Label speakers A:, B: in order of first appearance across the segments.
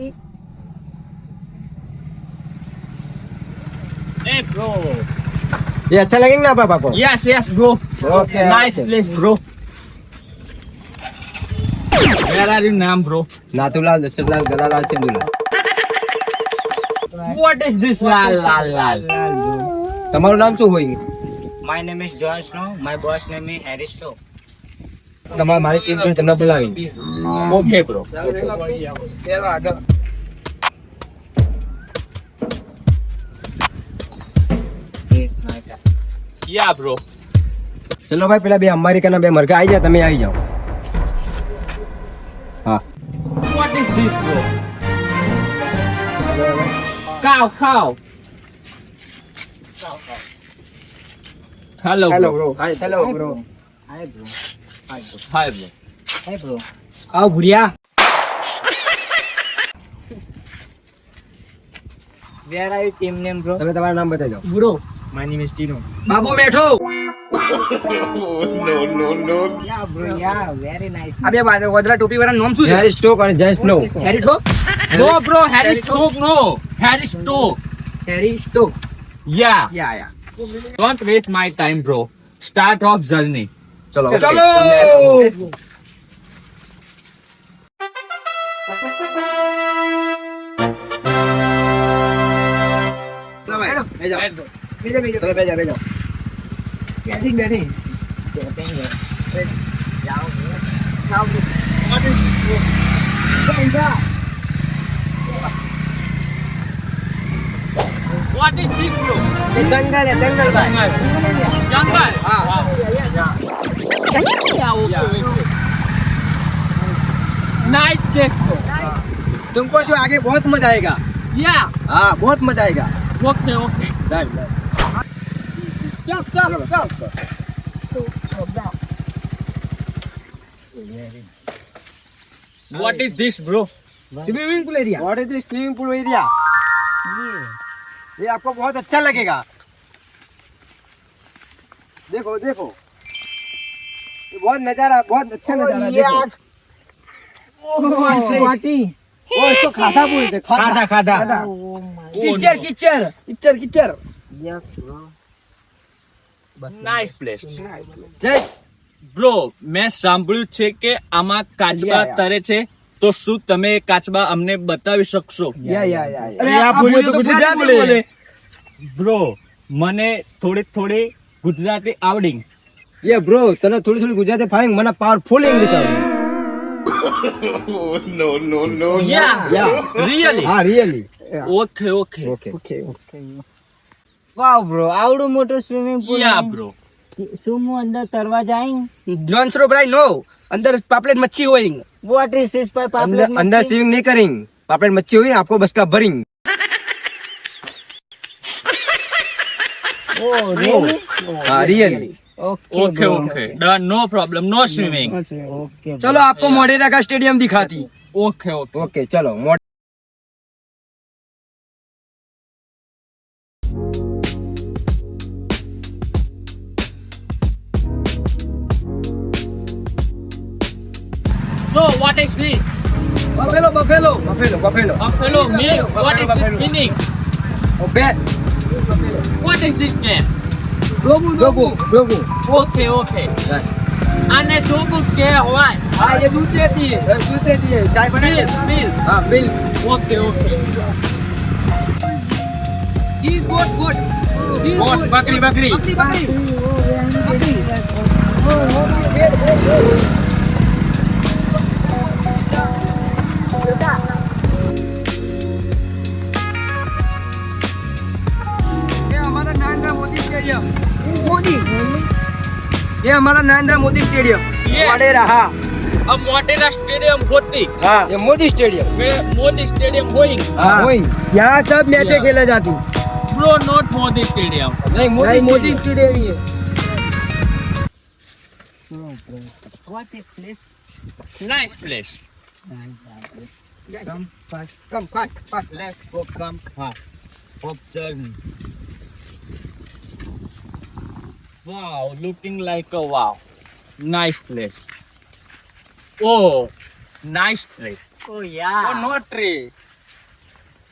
A: Hey bro.
B: ये अच्छा लगेगा ना पापा को?
A: Yes, yes, bro.
B: Okay.
A: Nice place, bro. Where are you now, bro?
B: Nathulal, दशरथलाल, गलालाल, Chandulal.
A: What is this lal lal lal?
B: તમારું નામ શું હોય?
C: My name is John Snow. My boss name is Harry Snow.
B: તમારે મારી ટીમ જોઈને તમને બોલાવી.
A: Okay, bro. Yeah, bro.
B: ચલો ભાઈ પેલા બે અમેરિકાના બે મરઘા આવી જાય, તમે આવી જાઓ. હા.
A: What is this, bro? Cow, cow. Hello, bro.
B: Hi hello bro.
C: Hi, bro.
A: Hi, bro.
C: Hi, bro.
B: આવ Bhuriya.
C: Where are your team name, bro?
B: તમે તમારું નામ બતાવી જાઓ.
A: Bro.
C: My name is Tino.
B: Babu બેઠો.
C: Yeah, bro. Yeah, very nice.
B: આ બે ગોદરા ટોપી વાળા નામ શું છે? હેરી સ્ટોક અને Jay Snow. Harry Stoke?
A: No, bro. Harry Stoke, no. Harry Stoke.
B: Harry Stoke.
A: Yeah.
B: Yeah.
A: Don't waste my time, bro. Start off journey.
B: ચલો.
A: ચલો.
B: બેજો.
A: What is this, bro?
B: Dangal ભાઈ.
A: Jungle.
B: हाँ.
A: Wow. Yeah, okay. Nice place, bro.
B: तुमको जो आगे बहुत मजा आएगा.
A: Yeah.
B: हाँ बहुत मजा आएगा.
A: Okay, okay. What is this, bro?
B: Swimming pool area. What is the swimming pool area? ये आपको बहुत अच्छा लगेगा. देखो ये बहुत नजारा, बहुत अच्छा नजारा. देखो वो इसको खाता बोलते. खाता. कीचड़.
A: Nice place.
B: जय.
A: બ્રો મેં સાંભળ્યું છે કે આમાં કાચબા તરે છે, તો શું તમે કાચબા અમને બતાવી શકશો?
B: अरे आप बोलिए तो गुजराती बोले.
A: બ્રો મને થોડી ગુજરાતી આવડી.
B: ये ब्रो तने थोड़ी गुजराती फाइंग मना पावरफुल इंग्लिश आवड़े.
A: Yeah really?
B: हाँ रियली.
A: ઓકે.
C: Wow, bro. આવડું મોટું સ્વિમિંગ પૂલ.
A: યા બ્રો.
C: શું હું અંદર તરવા જાઈં?
B: नॉन स्रो ब्राई नो. अंदर पापलेट मच्छी होइंग.
C: What is this, by
B: अंदर स्विमिंग नहीं करेंगे. पापलेट मच्छी हुई आपको बस का भरिंग.
C: Oh, really?
B: हाँ really.
A: Okay done, no problem, no swimming.
C: Okay.
B: चलो आपको मोढेरा का स्टेडियम दिखाती.
A: ઓકે.
B: ओके चलो.
A: So what is this?
B: Buffalo.
A: Buffalo meal. What is this meaning?
B: ओबे.
A: What is this name?
B: Logo.
A: Okay. આને શું કહેવાય?
B: हाँ ये दूध देती है. चाय बनाई.
A: Meal.
B: हाँ बिल.
A: Okay.
B: गोट.
A: બકરી.
B: ये हमारा नरेंद्र मोदी स्टेडियम.
A: ये.
B: वडेरा. हाँ
A: મોટેરા સ્ટેડિયમ હોતી.
B: हाँ ये मोदी स्टेडियम.
A: મોદી સ્ટેડિયમ હોઈંગ.
B: हाँ यहाँ सब मैचें खेले जाती.
A: Bro not Modi stadium.
B: नहीं मोदी स्टेडियम ही है.
C: What is this?
A: Nice place.
C: Come fast.
A: Let's go. Come fast. Observe. Wow, looking like a wow. Nice place. Oh, nice place.
C: Oh, yeah.
B: not tree.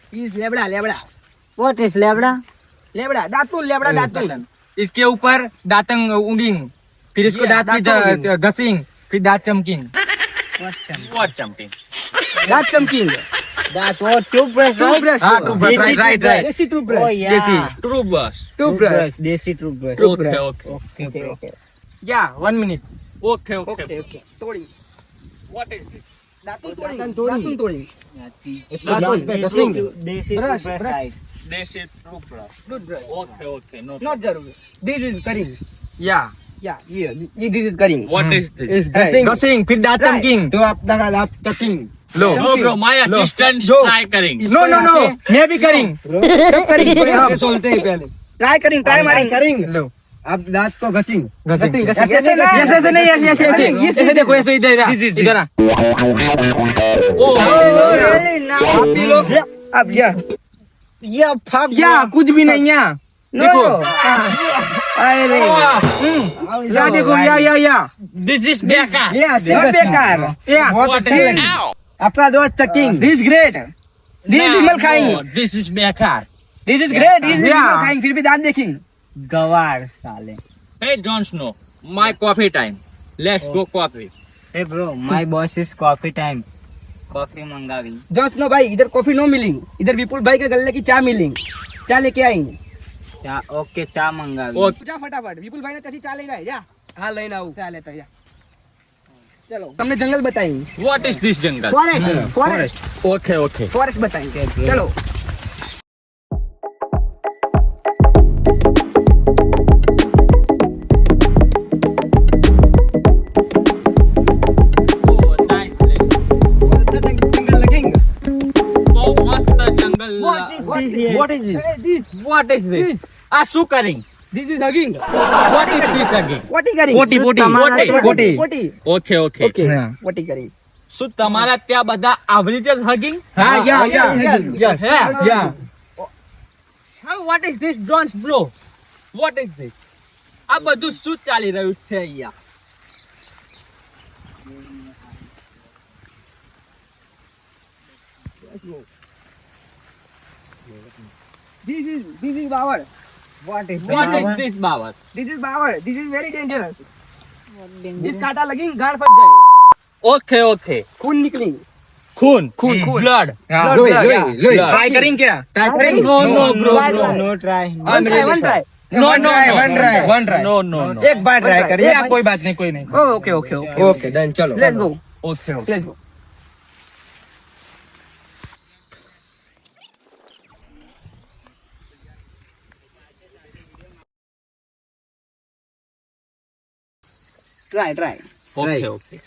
B: Is लेबड़ा लेबड़ा
C: What is लेबड़ा?
B: लेबड़ा दातुन लेबड़ा दातुन
D: इसके ऊपर दातंग उगेंगे, फिर इसको
B: Yeah,
D: दांत
B: दांत
D: में घसेंगे, फिर दांत चमकेंगे।
A: What jumping?
B: दांत चमकींग
C: That what toothbrush, right?
B: Toothbrush
D: हाँ, toothbrush,
C: Desi
D: right, right.
B: Desi
C: Oh
B: toothbrush
C: yeah.
D: Desi.
A: True boss.
B: Toothbrush
C: desi toothbrush.
A: Okay, okay.
C: Okay, okay.
D: Yeah, 1 minute.
A: Okay, okay.
B: Okay okay तोड़ी
A: What is this?
B: दातुन तोड़ी दातुन तोड़ी
D: इसको दांत पे घसेंगे।
C: देसी
B: Brush,
C: toothbrush,
B: brush.
C: right?
A: This is true boss.
B: Toothbrush
A: Okay, okay. No.
B: Not जरूर दिस इज करिंग
D: Yeah.
B: या ये this is caring
A: What is this?
B: Is घसिंग
D: घसेंगे, फिर दांत चमकेंगे।
B: तो आप दांत आप चकिंग
D: लो।
A: No, bro. My
D: low.
A: assistant
D: जो।
A: try करेंगे.
D: No, no, no. मैं भी करेंगे।
B: सब करिंग इसको सोलते हैं पहले ट्राई करिंग ट्राई मारिंग करिंग
D: लो।
B: आप दांत को घसिंग
D: घसेंगे।
B: ऐसे
D: ऐसे नहीं, ऐसे देखो, ऐसे इधर आ।
A: Oh,
B: आप ही लोग अब या फक
D: या कुछ भी नहीं है। देखो।
B: अरे
D: या देखो, या।
A: this is बेकार.
B: ये सब बेकार
D: या।
B: बहुत
A: What
B: अच्छा
A: is
B: है आपका दोस्त चकिंग
D: This is great.
B: This
A: No,
B: Vimal खाएंगे
A: no, this is बेकार.
B: This is great this Vimal
D: Yeah.
B: खाएंगे फिर भी दांत देखेंगे
C: गवार साले.
A: Hey, Jon Snow. My coffee time. Let's go coffee.
C: Hey bro, my boss is coffee time. Coffee मंगावी.
B: दोस्त नो भाई इधर कॉफी नो मिलेंगी इधर विपुल भाई के गले की चाय मिलेंगी चाय लेके आएंगे
C: चा ओके चा मंगावी.
A: Okay.
B: जा फटाफट विपुल भाई ने तभी चाय ले गए जा हाँ लेना आऊँ चाय लेता जा चलो हमने जंगल बताएंगे
A: What is this jungle?
B: Forest forest
A: Okay, okay.
B: Forest बताएंगे चलो
A: Oh, nice place.
B: जंगल लगेंगे
A: So मस्त jungle.
B: What is this?
A: What is this? આ શું કરી?
B: This is hugging.
A: What is this again?
B: What करेंगे?
D: Potty.
B: Potty.
A: Okay, okay.
B: Okay.
D: હા.
B: Potty કરેંगे.
A: શું તમારા ત્યાં બધા આવી રીતે hugging?
D: हाँ, या।
B: Yes.
D: या।
A: What is this dance bro? What is this? આ બધું શું ચાલી રહ્યું છે અહીંયા?
B: This is Bawar.
C: What is
A: What is this બાબત?
B: This is Bawar. This is very dangerous. इस कांटा लगेंगे गाड़ फट जाएगी
A: Okay, okay.
B: खून निकलेंगे
A: खून blood.
D: हाँ,
B: लोई,
D: blood,
B: लोई,
D: yeah.
B: लोई।
D: Try करेंगे क्या? Try करेंगे?
A: No, no, bro,
B: Try,
A: bro.
B: try.
C: No try.
B: One try.
A: No, no, no.
D: One try.
A: No, no, no.
B: एक बार ट्राई करिए
D: या, कोई बात नहीं, कोई नहीं।
B: Okay okay okay okay done चलो let's go
A: Okay, okay.
B: Let's go try
A: Okay, okay.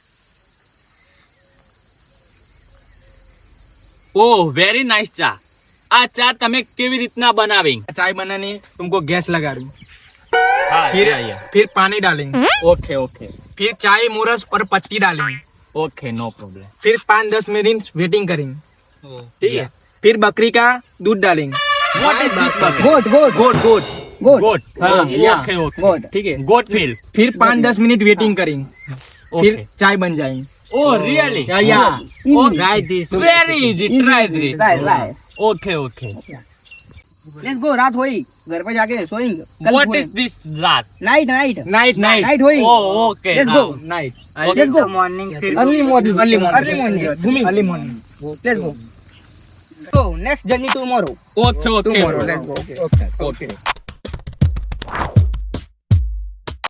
A: Oh, very nice ચા. આ ચા તમે કેવી રીતના બનાવી?
D: चाय बनाने तुमको गैस लगा दूं,
A: હા,
D: फिर
A: yeah, yeah.
D: फिर पानी डालेंगे,
A: Okay, okay.
D: फिर चाय मोरस और पत्ती डालेंगे,
A: Okay, no problem.
D: फिर 5-10 मिनट वेटिंग करेंगे, ठीक है?
A: Yeah.
D: फिर बकरी का दूध डालेंगे,
A: What is this bucket?
B: Goat goat
D: goat goat
B: goat
A: Goat.
D: हाँ,
A: Oh,
D: yeah.
A: okay, okay.
B: गोट
D: ठीक है?
A: Goat milk.
D: फिर 5-10 मिनट वेटिंग करेंगे, फिर
A: Okay.
D: चाय बन जाएंगे।
A: Oh, really?
D: या
A: Oh, try this. Very easy. Try this.
B: Try
A: Okay, okay.
B: Let's go रात होई घर पे जाके सोएंगे
A: What is this rat?
B: Night night
D: night night
B: night होई
A: Oh, okay.
B: Let's
A: now.
B: go.
D: Night
B: Let's go.
C: Morning फिर
B: early morning
D: early
B: early morning
D: early morning
B: let's go so next journey tomorrow
A: Okay, okay.
B: Tomorrow let's go
A: Okay.